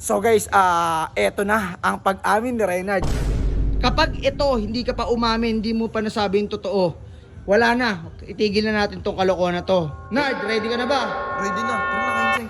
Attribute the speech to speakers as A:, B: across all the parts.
A: So guys, eto na ang pag-amin ni Reynard. Kapag ito, hindi ka pa umamin, hindi mo pa nasabi yung totoo, wala na. Itigil na natin tong kalokohan na to. Nard, ready ka na ba?
B: Ready na. Tara na, Kinsay.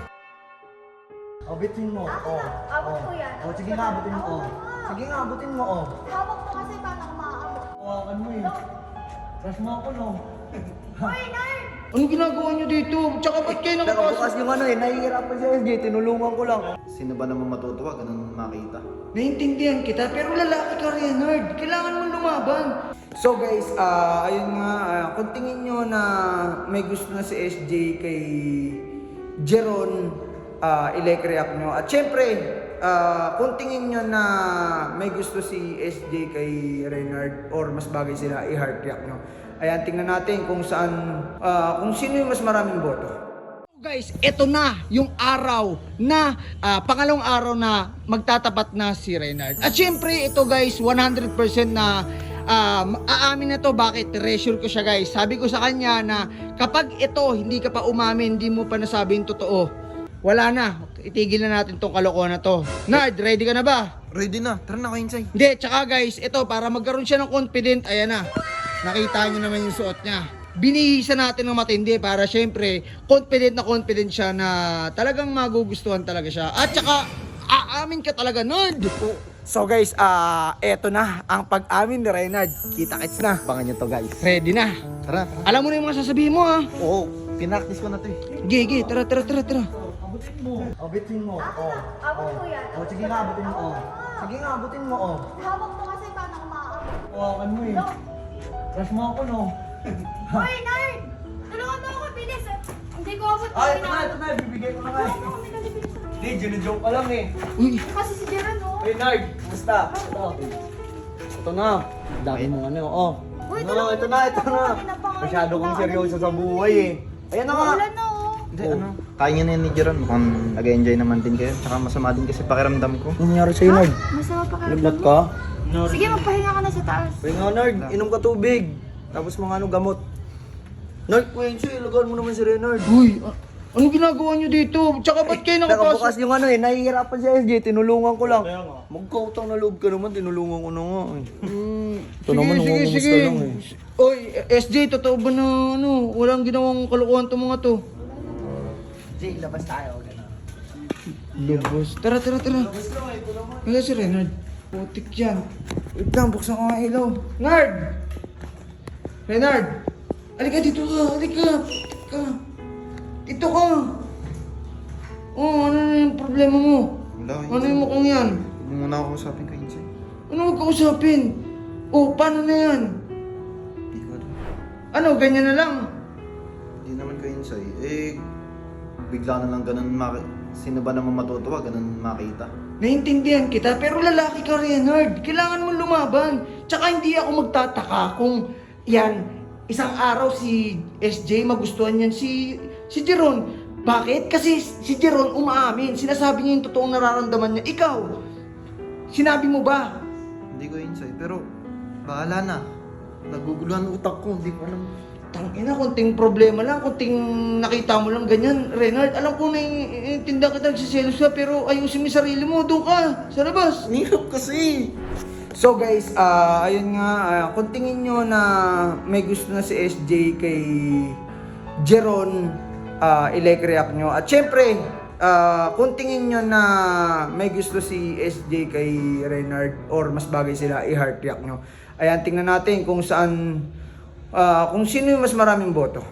A: Abitin mo.
C: Abot ko yan.
A: Sige nga, abutin mo. Sige nga, abutin mo.
C: Hawak mo kasi paano ako maaabot.
A: Hawakan mo eh. Crush mo ako, no?
C: Hoy, Nard!
A: Anong ginagawa niyo dito? Tsaka ba't kayo
D: Bukas
A: nakapasok?
D: yung nahihirapan si SJ, tinulungan ko lang. Sino ba naman matutuwa, ganun makita?
A: Naiintindihan kita, pero lalaki ka rin, Nard. Kailangan mo lumaban. So guys, ayun nga, kung tingin nyo na may gusto na si SJ kay Jeron, i-like react nyo. At syempre, kung tingin nyo na may gusto si SJ kay Reynard or mas bagay sila, i-heart react nyo. Ayan, tingnan natin kung saan, kung sino yung mas maraming boto. Guys, ito na yung araw na pangalawang araw na magtatapat na si Reynard. At syempre, ito guys, 100% na aamin na to. Bakit? Treasure ko siya guys. Sabi ko sa kanya na kapag ito, hindi ka pa umamin, hindi mo pa nasabi yung totoo, wala na. Itigil na natin tong kalokohan na to. Nard, ready ka na ba?
B: Ready na. Tara na, Kinsay.
A: Hindi, tsaka guys, ito para magkaroon siya ng confident, ayan na. Nakita nyo naman yung suot niya. Binihisa natin ng matindi para syempre confident siya na talagang magugustuhan talaga siya. At tsaka aamin ka talaga, Nard. So guys, eto na ang pag-amin ni Reynard. Kita-kits na.
D: Abangan nyo to guys.
A: Ready na.
B: Tara.
A: Alam mo na yung mga sasabihin mo ha.
D: Oo, pinaktis ko na to eh.
A: Gigi, tara.
D: Abitin mo.
C: Abot ko yan.
D: Sige nga, abutin mo. Sige nga, abutin mo.
C: Hawak mo kasi paano ako maaabot.
D: Hawakan mo eh. Crush mo ako, no?
C: Hoy, Nard! Tulungan mo ako, bilis. Hindi ko abot.
D: Ay, ito na, bibigay ko na nga eh. Hindi, joke ka lang eh.
A: Uy,
C: Kasi si Jeron, no?
D: Hey, Nard, kumusta? Ito na. Dami mong ano, oh.
C: Uy,
D: No,
C: tulungan
D: ito
C: mo
D: na.
C: Napangalan
D: Masyado
C: ko
D: kang
C: na,
D: seryoso
C: alam
D: sa
C: niya
D: buhay
C: eh.
D: eh. Ayan na nga.
C: Wala na, oh.
B: Hindi, ano. Kaya niya na yun ni Jeron. Mukhang nag-enjoy naman din kayo. Tsaka masama din kasi pakiramdam ko.
D: Ano nangyari sa'yo, Nard?
C: Masama pa ka.
D: Naglat ka?
C: Sige, magpahinga ka na sa taas.
D: Pahinga, Nard. Inom ka tubig. Tapos mga ano, gamot. Nard, Quincy, ilagaan mo naman si Reynard.
A: uy, anong ginagawa nyo dito? Tsaka ba't kayo nakapasok?
D: Bukas yung nahihirapan si SJ, tinulungan ko lang. Magkautang na loob ka naman, tinulungan ko na nga eh. Ito naman, namumumusta lang eh.
A: Oy, SJ, totoo ba na walang ginawang kalokohan tong mga to?
D: SJ, labas tayo.
A: Lubos. Tara. Wala si Reynard. Putik yan. Wait lang, buksan ko nga ilaw. Nard! Reynard! Halika dito ka, halika. Dito ka. Oh, ano na yung problema mo?
B: Wala,
A: Ano yung mukhang yan?
B: Hindi mo na ako usapin, Kinsay.
A: Ano magkausapin? Oh, paano na yan?
B: Hindi ko alam.
A: Ano, ganyan na lang?
B: Hindi naman, Kinsay. Bigla na lang ganun Sino ba naman matutuwa, ganun makita?
A: Naiintindihan kita, pero lalaki ka rin, Nard. Kailangan mo lumaban. Tsaka hindi ako magtataka kung yan, isang araw si SJ magustuhan yan si Jeron. Bakit? Kasi si Jeron umaamin. Sinasabi niya yung totoong nararamdaman niya. Ikaw, sinabi mo ba?
B: Hindi ko Kinsay, pero bahala na. Naguguluhan ang utak ko, hindi ko alam.
A: Tangina, konting problema lang, konting nakita mo lang ganyan. Reynard, alam ko na naiintindihan kita, nagsiselos ka, pero ayusin mo yung sarili mo, doon ka, sa labas.
B: Nihirap kasi.
A: So guys, ayun nga, kung tingin nyo na may gusto na si SJ kay Jeron, i-like react nyo. At syempre, kung tingin nyo na may gusto si SJ kay Reynard or mas bagay sila, i-heart react nyo. Ayan, tingnan natin kung saan, kung sino yung mas maraming boto.